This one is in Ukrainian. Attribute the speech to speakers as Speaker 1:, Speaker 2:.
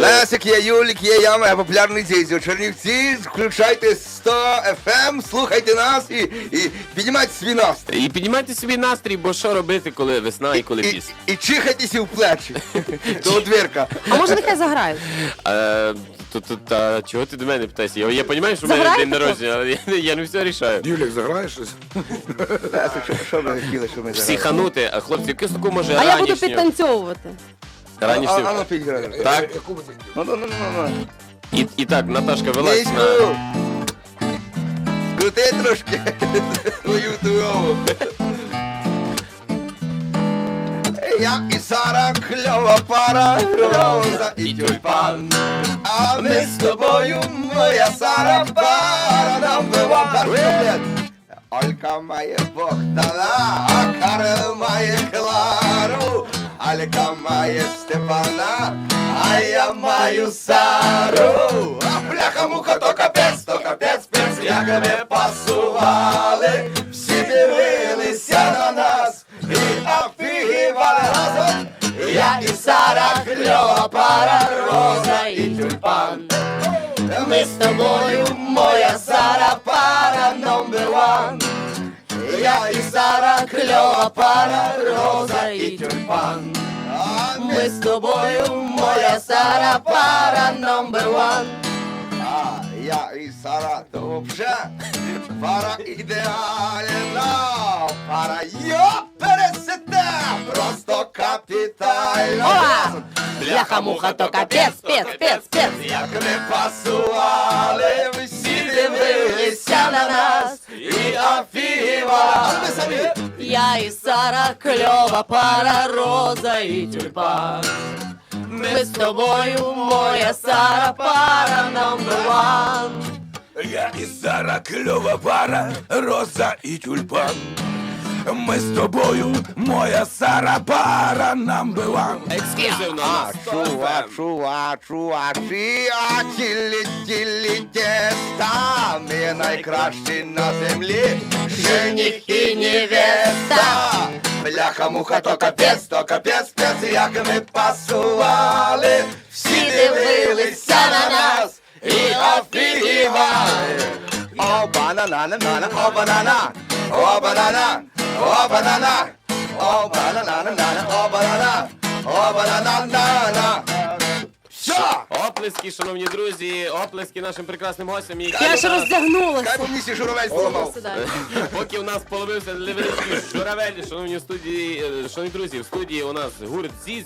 Speaker 1: Лесик, є Юлік, є я, моя популярний Зізю. Чернівці, включайте 100 FM, слухайте нас і піднімайте свій настрій.
Speaker 2: І піднімайте собі настрій, бо що робити, коли весна і коли піс.
Speaker 1: І чихайтеся в плечі. До двірка.
Speaker 3: А може нехай заграють?
Speaker 2: Чого ти до мене питаєшся? Я розумію, що в мене
Speaker 3: Заграйте
Speaker 2: день народження, але я не все рішаю.
Speaker 4: Юлік, заграєш щось?
Speaker 1: Лесик, що ви хотіли, що ми зараз?
Speaker 2: Психанути, а хлопці, якусь таку може
Speaker 3: А я буду
Speaker 2: ранішню.
Speaker 3: підтанцьовувати.
Speaker 2: Ранішню.
Speaker 1: Ану, підграй.
Speaker 2: Так,
Speaker 4: Яку би ти хотів?
Speaker 1: Ну.
Speaker 2: і так, Наташка, вилазь на...
Speaker 1: Низьку. Скрути трошки твою тувову. Я і Сара, кльова пара, роза і тюльпан. А ми з тобою, моя Сара, пара, нам бива картоплет. Олька має Богдана, а Карл має Клару. Алька має Степана, а я маю Сару. А бляха-муха, то капець, спец, як ми пасували. Всі дивилися на нас і офігівали разом. Я і Сара, кльова пара, роза і тюльпан. Ми з тобою, моя Сара, пара номер ван. Я і Сара, кльова пара, роза і тюльпан. А ми з тобою, моя Сара, пара номер ван. А я і Сара, то вообще пара ідеальна. Пара пересете, просто капітально.
Speaker 3: Ола! Бляха-муха, то капець, спец.
Speaker 1: Як ми пасували, всі дивилися на нас і офігівали. А ми самі.
Speaker 3: Я і Сара, кльова пара, роза і тюльпан. Ми з тобою, моя Сара, пара number one.
Speaker 4: Я і Сара, кльова пара, роза і тюльпан. Ми з тобою, моя Сара, пара number one.
Speaker 2: Ексклюзивно на 100 FM.
Speaker 1: Чувачі, а тілі теста, ми найкращі на землі, жених і невеста. Бляха-муха, то капець, спец, як ми пасували, всі дивилися на нас і офігівали. О, банана, о, банана, о, банана, о, банана, о, банана, о, банана, о, банана. Все!
Speaker 2: Оплески, шановні друзі, оплески нашим прекрасним гостям, які
Speaker 3: Я ж
Speaker 2: у нас-
Speaker 3: роздягнулася.
Speaker 1: Хай мені журавель поламав.
Speaker 3: Сюди.
Speaker 2: Поки у нас половився невеличкий журавель, шановні друзі, в студії у нас гурт ЗІЗ.